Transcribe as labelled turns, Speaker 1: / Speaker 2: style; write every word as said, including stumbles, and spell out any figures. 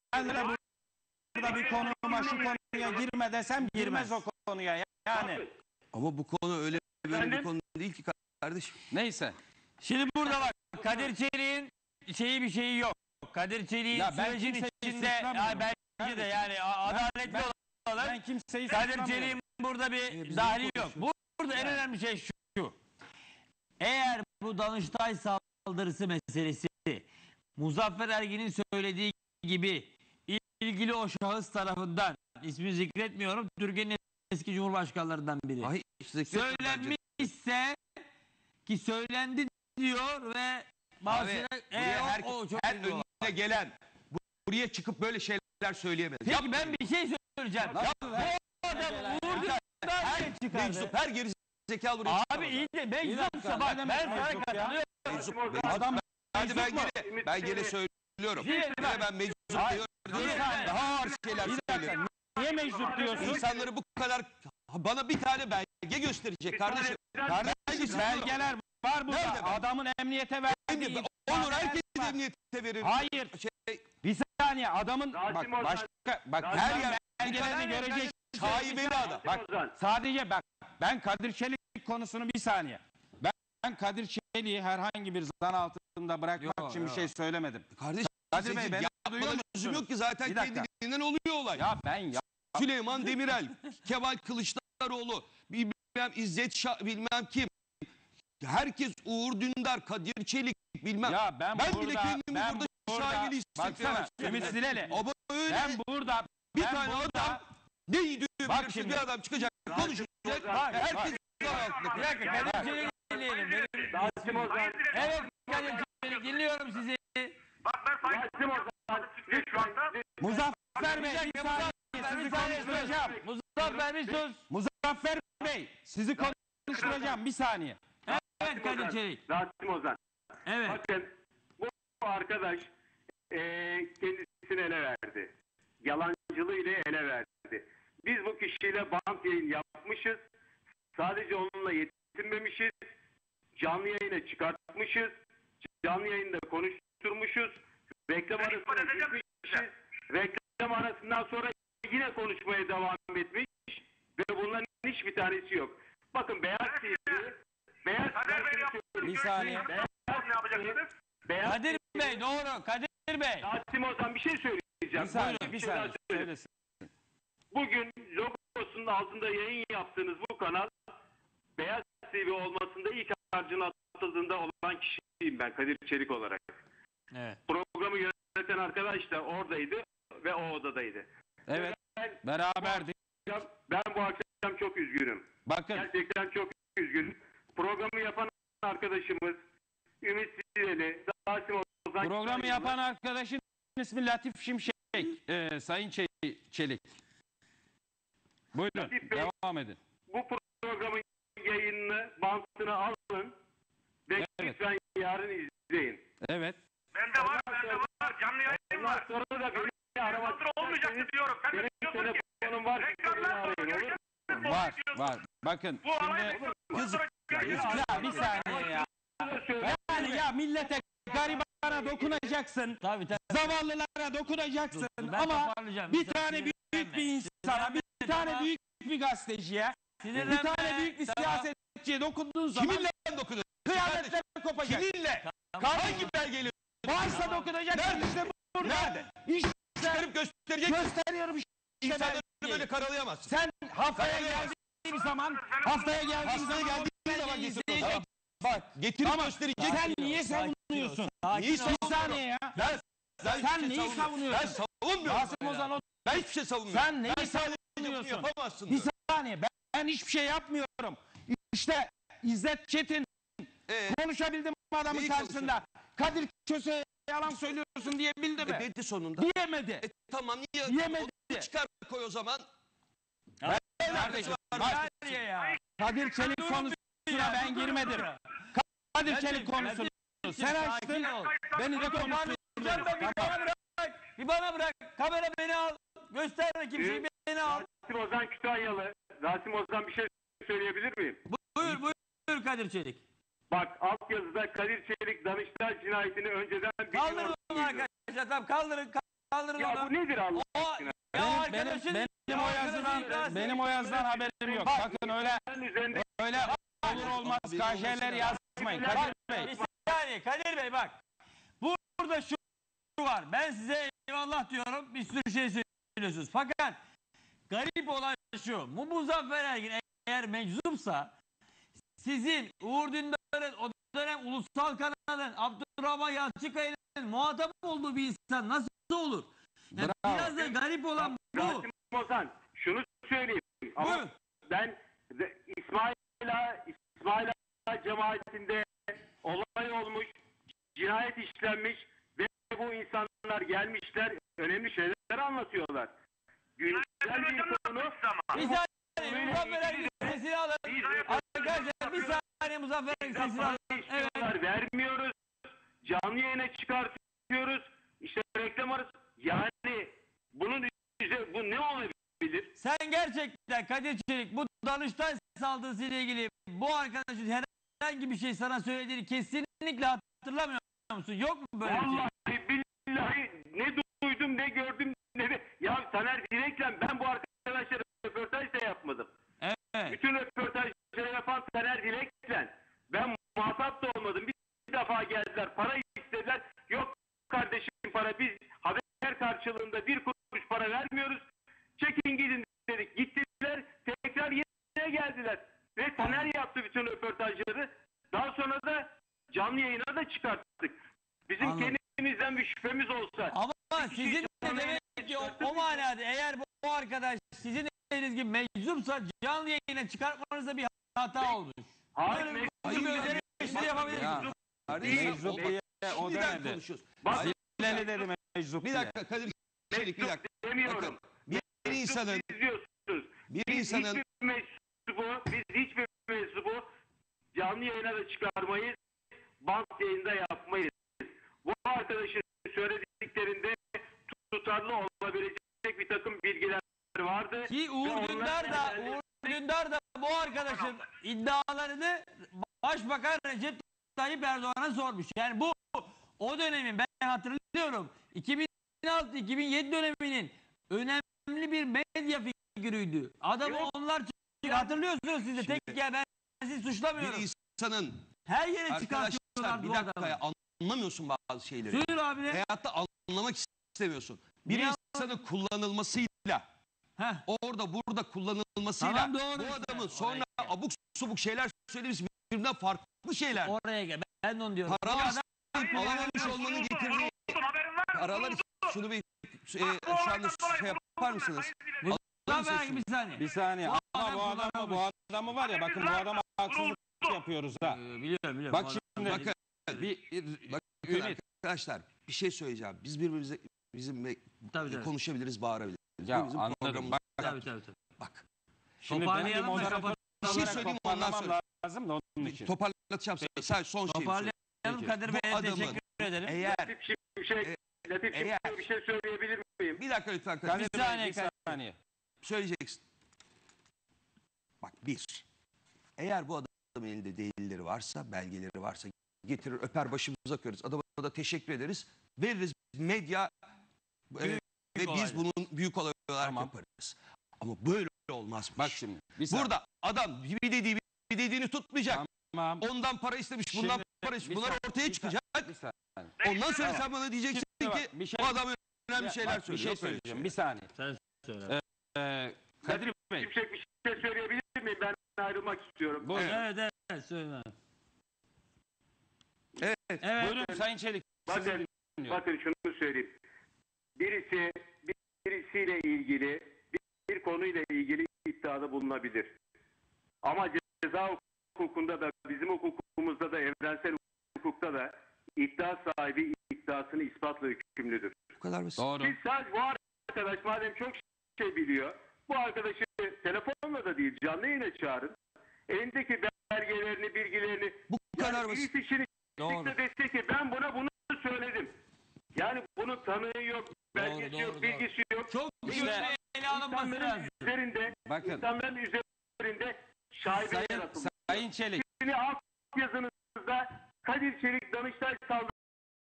Speaker 1: ben de burada bir konuma şu konuya girme desem girmez o konuya yani.
Speaker 2: Ama bu konu öyle böyle bir konu değil ki kardeşim.
Speaker 1: Neyse.
Speaker 3: Şimdi burada bak Kadir Çelik'in şeyi bir şeyi yok. Kadir Çelik'in sürecin içinde ya belki de yani adaletli ben, olalım. Ben kimseyi Kadir Çelik'in burada bir e, dahili yok. Burada en önemli şey şu. Eğer bu Danıştay saldırısı meselesi Muzaffer Ergin'in söylediği gibi ilgili o şahıs tarafından, ismini zikretmiyorum, Türkiye'nin eski cumhurbaşkanlarından biri. Ay, söylenmişse ki söylendi diyor ve
Speaker 2: bazı her, her, o, her önüne gelen buraya çıkıp böyle şeyler söyleyemez.
Speaker 3: Peki Yap, ben bir şey söyleyeceğim. Ya, bu adam Uğur Dündar'dan çıkardı.
Speaker 2: Her geri zekalı buraya
Speaker 3: Abi iyi de meczupsa bak ben sana katılıyorum.
Speaker 2: Adam hadi ben gene ben gene söylüyorum. Yine ben meczup diyorum. Daha ağır şeyler söylüyorum.
Speaker 1: Niye meczup diyorsun?
Speaker 2: İnsanları bu kadar bana bir tane belge gösterecek kardeşim.
Speaker 1: Kardeşim belgeler var burada. Nerede adamın emniyete verdiği.
Speaker 2: Olur herkes emniyete verir.
Speaker 1: Hayır. Şey, bir saniye adamın bak başka bak her yer belgelerini görecek.
Speaker 2: Şaibeli adam.
Speaker 1: Bak sadece bak ben Kadir Çelik konusunu bir saniye. Ben, ben Kadir Çelik'i herhangi bir zan altında bırakmak yo, için yo. bir şey söylemedim.
Speaker 2: Kardeşim
Speaker 1: Kadir Bey ben duyuyor
Speaker 2: musunuz? Yok ki zaten kendiliğinden oluyor olay.
Speaker 1: Ya ben ya.
Speaker 2: Süleyman Demirel, Kemal Kılıçdaroğlu, bilmem İzzet Şah, bilmem kim. Herkes Uğur Dündar, Kadir Çelik bilmem.
Speaker 1: Ya ben,
Speaker 2: ben
Speaker 1: burada,
Speaker 2: bile kendimi
Speaker 1: ben
Speaker 2: burada,
Speaker 1: burada
Speaker 2: şaibeli hissediyorum.
Speaker 1: Baksana Ümit Sileli.
Speaker 2: Ama öyle.
Speaker 1: Ben burada
Speaker 2: bir
Speaker 1: ben
Speaker 2: tane
Speaker 1: burada,
Speaker 2: adam ne iyi
Speaker 1: belirsiz
Speaker 2: bir adam çıkacak, konuşacak.
Speaker 3: Bak, herkes bak, bir dakika Kadir Çelik'i dinleyelim. Evet Kadir Çelik dinliyorum sizi.
Speaker 4: Bak ben Sayın Ozan şu anda.
Speaker 1: Muzaffer Bey bir saniye sizi konuşturacağım.
Speaker 3: Muzaffer bir sus.
Speaker 1: Muzaffer Bey sizi konuşturacağım bir saniye.
Speaker 3: Evet Kadir Çelik.
Speaker 4: Rasim Ozan.
Speaker 3: Evet.
Speaker 4: Bakın bu arkadaş e, kendisini ele verdi. Yalancılığı ile ele verdi. Biz bu kişiyle bant yayın yapmışız. Sadece onunla yetinmemişiz. Canlı yayına çıkartmışız. Canlı yayında konuşturmuşuz. Reklam arasına gitmişiz. Reklam arasından sonra yine konuşmaya devam etmiş. Ve bunların hiçbir tanesi yok. Bakın Beyaz T V Beyaz
Speaker 1: bir saniye.
Speaker 4: Beyaz ne yapacaksınız?
Speaker 3: Beyaz Kadir Bey doğru. Kadir Bey.
Speaker 4: Rasim Ozan bir şey söyleyeceğim.
Speaker 1: Bir saniye. Bir, bir saniye. Söylesin.
Speaker 4: Bugün logosunun altında yayın yaptığınız bu kanal Beyaz T V olmasında ilk harcına atıldığında olan kişiyim ben Kadir Çelik olarak.
Speaker 3: Evet.
Speaker 4: Programı yöneten arkadaş da oradaydı ve o odadaydı.
Speaker 1: Evet. Ben, beraberdik.
Speaker 4: Bu akşam, ben bu akşam çok üzgünüm.
Speaker 1: Bakın.
Speaker 4: Gerçekten çok üzgünüm. Programı yapan arkadaşımız Ümit Sileli, Rasim Ozan.
Speaker 1: Programı yapan arkadaşın ismi Latif Şimşek. Ee, Sayın Çelik. Buyurun. Latif Bey, devam edin.
Speaker 4: Bu programın yayınını, bantını alın ve evet. Lütfen yarın izleyin.
Speaker 1: Evet.
Speaker 4: Bende var, bende var. Canlı yayın var. Sonra da beni aramak olmayacaktı diyorum. Ben de diyorsun ki telefonum var. Reklamlar
Speaker 1: var, var. Bakın.
Speaker 4: Bu şimdi
Speaker 1: yazık. Ya bir saniye ya. Yani ya millete garibana dokunacaksın.
Speaker 3: Tabii, tabii.
Speaker 1: Zavallılara dokunacaksın. Ben ama bir tane büyük bir insana, bir tane büyük bir gazeteciye, bir tane büyük bir siyasetçiye dokunduğun zaman
Speaker 2: kiminle dokunuyorsun?
Speaker 1: Kıyametler kopacak.
Speaker 2: Kiminle? Hangi belgeyle?
Speaker 1: Varsa dokunacaksın.
Speaker 2: Nerede?
Speaker 1: İşte burada.
Speaker 2: Nerede?
Speaker 1: İşte
Speaker 2: çıkarıp gösterecek.
Speaker 1: Gösteriyorum işte.
Speaker 2: İnsanları böyle karalayamazsın.
Speaker 1: Sen haftaya geldiğin zaman haftaya geldiğin zaman
Speaker 2: geldiğin zaman getir. Bak getirip
Speaker 1: ama
Speaker 2: gösterecek.
Speaker 1: Sen niye savunuyorsun?
Speaker 2: Niye
Speaker 1: bir saniye ya.
Speaker 2: Ben,
Speaker 1: sen sen neyi savunuyorsun?
Speaker 2: Ben savunmuyorum.
Speaker 1: Rasim Ozan o.
Speaker 2: Ben hiçbir şey savunmuyorum.
Speaker 1: Sen neyi savunuyorsun?
Speaker 2: Yapamazsın.
Speaker 1: Bir saniye ben, ben hiçbir şey yapmıyorum. İşte İzzet Çetin ee, konuşabildim adamın karşısında. Kadir Köse'ye yalan söylüyorsun diyebildi mi?
Speaker 2: E, dedi sonunda.
Speaker 1: Diyemedi.
Speaker 2: E, tamam niye?
Speaker 1: Diyemedi.
Speaker 2: Onu çıkar koy o zaman.
Speaker 1: Ben kardeşim. Kadir Çelik konusuna ben girmedim. Kadir Çelik konusunu sen açtın. Beni de konuşturdun.
Speaker 3: Bir bana bırak. Kamera beni al. Gösterme kimseyi beni al.
Speaker 4: Rasim Ozan Kütahyalı. Rasim Ozan bir şey söyleyebilir miyim?
Speaker 3: Buyur buyur, buyur Kadir Çelik.
Speaker 4: Bak altyazıda Kadir Çelik Danıştay cinayetini önceden biliyordu.
Speaker 3: Kaldırın arkadaşlar tamam kaldırın kaldırın
Speaker 4: Ya
Speaker 3: onu.
Speaker 4: bu nedir Allah
Speaker 3: O,
Speaker 4: aşkına?
Speaker 3: ya
Speaker 1: Benim,
Speaker 3: arkadaşın,
Speaker 1: benim, benim
Speaker 3: ya
Speaker 1: o
Speaker 3: arkadaşın
Speaker 1: yazıdan,
Speaker 3: iddiası-
Speaker 1: benim o yazıdan haberim yok. Sakın öyle
Speaker 4: Ben üzerinde
Speaker 1: öyle olur olmaz K J'ler yazmayın. Kadir Bey.
Speaker 3: Bir saniye Kadir Bey bak. Burada şu var. Ben size eyvallah diyorum. Bir sürü şey söylüyorsunuz. Fakat garip olan şu. Bu Muzaffer Ergin eğer meczupsa sizin Uğur Dündar'ın o dönem ulusal kanalın Abdurrahman Yalçıkaya'nın muhatap olduğu bir insan nasıl olur? Yani biraz da garip olan bu.
Speaker 4: Rasim Ozan şunu söyleyeyim. Ama
Speaker 3: Buyurun.
Speaker 4: ben de İsmail'a İsmail Ağa cemaatinde olay olmuş, cinayet işlenmiş ve bu insanlar gelmişler, önemli şeyler anlatıyorlar. Güncel bir konu.
Speaker 3: Bir saniye Muzaffer Ergin sesini alın. Arkadaşlar bir saniye Muzaffer Ergin sesini alın. Evet.
Speaker 4: Vermiyoruz. Canlı yayına çıkartıyoruz. İşte reklam arası. Yani bunun üzerine bu ne olabilir?
Speaker 3: Sen gerçekten Kadir Çelik bu Danıştay saldırısı ile ilgili bu arkadaşın herhangi bir şey sana söylediğini kesinlikle hatırlamıyor musun? Yok mu böyle bir şey?
Speaker 4: Vallahi billahi ne duydum ne gördüm ne de. Ya Taner Dilek'le ben bu arkadaşlara röportaj da yapmadım.
Speaker 3: Evet.
Speaker 4: Bütün röportajları yapan Taner Dilek'le ben muhatap da olmadım. Bir defa geldiler para istediler. Yok kardeşim para biz haber karşılığında bir kuruş para vermiyoruz. Çekin gidin dedik. Gittiler tekrar yine geldiler. Ve Taner yaptı bütün röportajları. Daha sonra da canlı yayına da çıkarttık. Bizim
Speaker 3: Anladım.
Speaker 4: kendimizden bir şüphemiz olsa.
Speaker 3: Ama
Speaker 4: Bir
Speaker 3: sizin
Speaker 4: şey
Speaker 3: de
Speaker 4: canlı
Speaker 3: demek
Speaker 4: yayına
Speaker 3: ki o,
Speaker 4: çıkarttık.
Speaker 3: o manada eğer bu, bu arkadaş sizin dediğiniz gibi meczupsa canlı yayına çıkartmanızda bir hata olmuş.
Speaker 4: Hayır,
Speaker 3: Böyle bir
Speaker 4: meczup
Speaker 3: bir
Speaker 4: ya.
Speaker 3: üzeri eleştiri yapabilir
Speaker 1: Ya,
Speaker 3: misiniz?
Speaker 2: Kardeşim,
Speaker 1: meczup
Speaker 2: o-
Speaker 1: diye o
Speaker 2: Şimdiden
Speaker 1: demedi.
Speaker 2: konuşuyoruz.
Speaker 4: Bak,
Speaker 1: Zileli dedi meczup
Speaker 2: Bir
Speaker 1: diye.
Speaker 2: dakika Kadir Çelik bir dakika.
Speaker 4: demiyorum.
Speaker 2: Bir insanın
Speaker 4: İzliyorsunuz.
Speaker 2: bir
Speaker 4: Biz
Speaker 2: insanın
Speaker 4: hiçbir mensubu, biz hiçbir mensubu canlı yayına da çıkarmayız. Bant yayında yapmayız. Bu arkadaşın söylediklerinde tutarlı olabilecek bir takım bilgiler vardı.
Speaker 3: Ki
Speaker 4: Ve
Speaker 3: Uğur
Speaker 4: onlar
Speaker 3: Dündar da
Speaker 4: genelde-
Speaker 3: Uğur Dündar da bu arkadaşın iddialarını Başbakan Recep Tayyip Erdoğan'a sormuş. Yani bu o dönemin ben hatırlıyorum iki bin altı iki bin yedi döneminin önemli bir medya figürüydü. Adamı
Speaker 4: Yok.
Speaker 3: onlar çık- hatırlıyorsunuz siz de.
Speaker 2: Şimdi-
Speaker 3: Tek ya ben sizi suçlamıyorum.
Speaker 2: bir insanın
Speaker 3: Her yere
Speaker 2: arkadaşlar
Speaker 3: çıkartıyorlar
Speaker 2: bir
Speaker 3: bu
Speaker 2: dakika
Speaker 3: adamı.
Speaker 2: ya, anlamıyorsun bazı şeyleri.
Speaker 3: Söyle abi ne?
Speaker 2: Hayatta anlamak istemiyorsun. Bir
Speaker 3: Niye
Speaker 2: insanın kullanılmasıyla
Speaker 3: Heh.
Speaker 2: orada burada kullanılmasıyla
Speaker 3: Tamam, doğru
Speaker 2: bu
Speaker 3: işte.
Speaker 2: adamın
Speaker 3: Oraya
Speaker 2: sonra
Speaker 3: gel.
Speaker 2: abuk subuk şeyler söylemesi birbirinden farklı şeyler.
Speaker 3: Oraya gel. Ben de onu diyorum.
Speaker 2: Paralar
Speaker 3: Bu adam-
Speaker 2: isteyip alamamış olmanın getirdiği paralar şunu bir e, şu anda şey yapar mısınız?
Speaker 3: Muzaffer Ergin bir saniye.
Speaker 1: Bir saniye
Speaker 3: Bu
Speaker 1: ama
Speaker 3: adam
Speaker 1: bu adamı bu
Speaker 3: kullanılmış.
Speaker 1: adamı var ya bakın bu adama haksızlık yapıyoruz ha.
Speaker 3: Ee, biliyorum biliyorum.
Speaker 1: Bak
Speaker 3: Bu
Speaker 1: şimdi
Speaker 3: adam-
Speaker 2: Bakın,
Speaker 1: bir, bir
Speaker 2: bakın
Speaker 1: Ümit.
Speaker 2: arkadaşlar bir şey söyleyeceğim. Biz birbirimize bizim
Speaker 3: Tabii, tabii.
Speaker 2: konuşabiliriz, bağırabiliriz.
Speaker 1: ya
Speaker 2: Bu bizim
Speaker 1: anladım.
Speaker 2: programımız.
Speaker 1: Bak,
Speaker 3: Tabii tabii tabii.
Speaker 2: Bak.
Speaker 1: şimdi benim bir
Speaker 3: Toparlayalım da
Speaker 1: moderatör
Speaker 3: kapat-
Speaker 2: Bir şey
Speaker 1: olarak
Speaker 2: söyleyeyim ondan
Speaker 1: toparlamam
Speaker 2: sonra.
Speaker 1: lazım da onun için.
Speaker 2: Toparlatacağım sana. Sadece son şeyi söyleyeyim.
Speaker 3: Toparlayalım Kadir
Speaker 2: Bu
Speaker 3: Bey'e
Speaker 2: adamın
Speaker 3: teşekkür ederim.
Speaker 2: Eğer
Speaker 4: Latif Şimşek, Latif
Speaker 2: eğer-
Speaker 4: Şimşek'e bir şey söyleyebilir miyim?
Speaker 2: bir dakika lütfen
Speaker 1: Kadir
Speaker 2: kardeşim.
Speaker 1: Bey,
Speaker 3: saniye,
Speaker 1: bir
Speaker 3: Kadir.
Speaker 1: saniye.
Speaker 2: Söyleyeceksin. Bak bir. Eğer bu adamın elinde delilleri varsa, belgeleri varsa getirir öper başımıza koyarız. Adama da teşekkür ederiz. Veririz medya e, ve biz
Speaker 3: olaylar.
Speaker 2: bunun büyük olay olarak
Speaker 1: Tamam.
Speaker 2: yaparız. Ama böyle olmaz.
Speaker 1: Bak şimdi. Bir saniye.
Speaker 2: Burada adam bir dediği bir dediğini tutmayacak.
Speaker 1: Tamam.
Speaker 2: Ondan para istemiş, bundan
Speaker 1: Şimdi
Speaker 2: para
Speaker 1: bir
Speaker 2: istemiş. Bunlar
Speaker 1: saniye,
Speaker 2: ortaya
Speaker 1: bir
Speaker 2: çıkacak.
Speaker 1: Bir saniye.
Speaker 2: Ondan sonra
Speaker 1: Tamam.
Speaker 2: sen bana diyeceksin
Speaker 1: Şimdi
Speaker 2: ki
Speaker 1: bak, bir şey-
Speaker 2: bu adam önemli
Speaker 1: Ya,
Speaker 2: şeyler
Speaker 1: bak,
Speaker 2: söylüyor.
Speaker 1: Bir şey
Speaker 2: Yok öyle
Speaker 1: söyleyeceğim.
Speaker 2: şey.
Speaker 1: Bir saniye.
Speaker 3: Sen söyle.
Speaker 1: Ee, Kadir Bey.
Speaker 4: Şimşek bir şey söyleyebilir miyim? Ben ayrılmak istiyorum.
Speaker 1: Buyurun.
Speaker 3: Evet evet söyle.
Speaker 2: Evet.
Speaker 3: Evet.
Speaker 1: Buyurun Sayın Çelik. Sizi
Speaker 4: Bakın,
Speaker 1: dinliyorum.
Speaker 4: bakın şunu söyleyeyim. Birisi birisiyle ilgili bir, bir konuyla ilgili iddiada bulunabilir. Ama ceza hukukunda da bizim hukukumuzda da evrensel hukukta da iddia sahibi iddiasını ispatla hükümlüdür.
Speaker 2: Bu kadar basit.
Speaker 1: Doğru.
Speaker 4: Biz sadece bu arkadaş madem çok şey biliyor, bu arkadaşı telefonla da değil canlı yayına çağırın. Elindeki belgelerini, bilgilerini
Speaker 2: Bu kadar
Speaker 4: yani
Speaker 2: basit.
Speaker 4: birisi şimdi
Speaker 3: Doğru.
Speaker 4: çıktı dese ki ben buna bunu söyledim. Yani bunun tanığı yok, belgesi
Speaker 3: doğru,
Speaker 4: yok,
Speaker 3: doğru.
Speaker 4: bilgisi yok.
Speaker 3: Çok
Speaker 4: İşte
Speaker 3: güçlü ele alınması
Speaker 4: İnsanların
Speaker 3: lazım.
Speaker 4: üzerinde,
Speaker 1: Bakın.
Speaker 4: insanların üzerinde şaibeler
Speaker 1: Sayın,
Speaker 4: atılmış.
Speaker 1: Sayın Çelik.
Speaker 4: Şimdi alt yazınızda Kadir Çelik Danıştay saldırı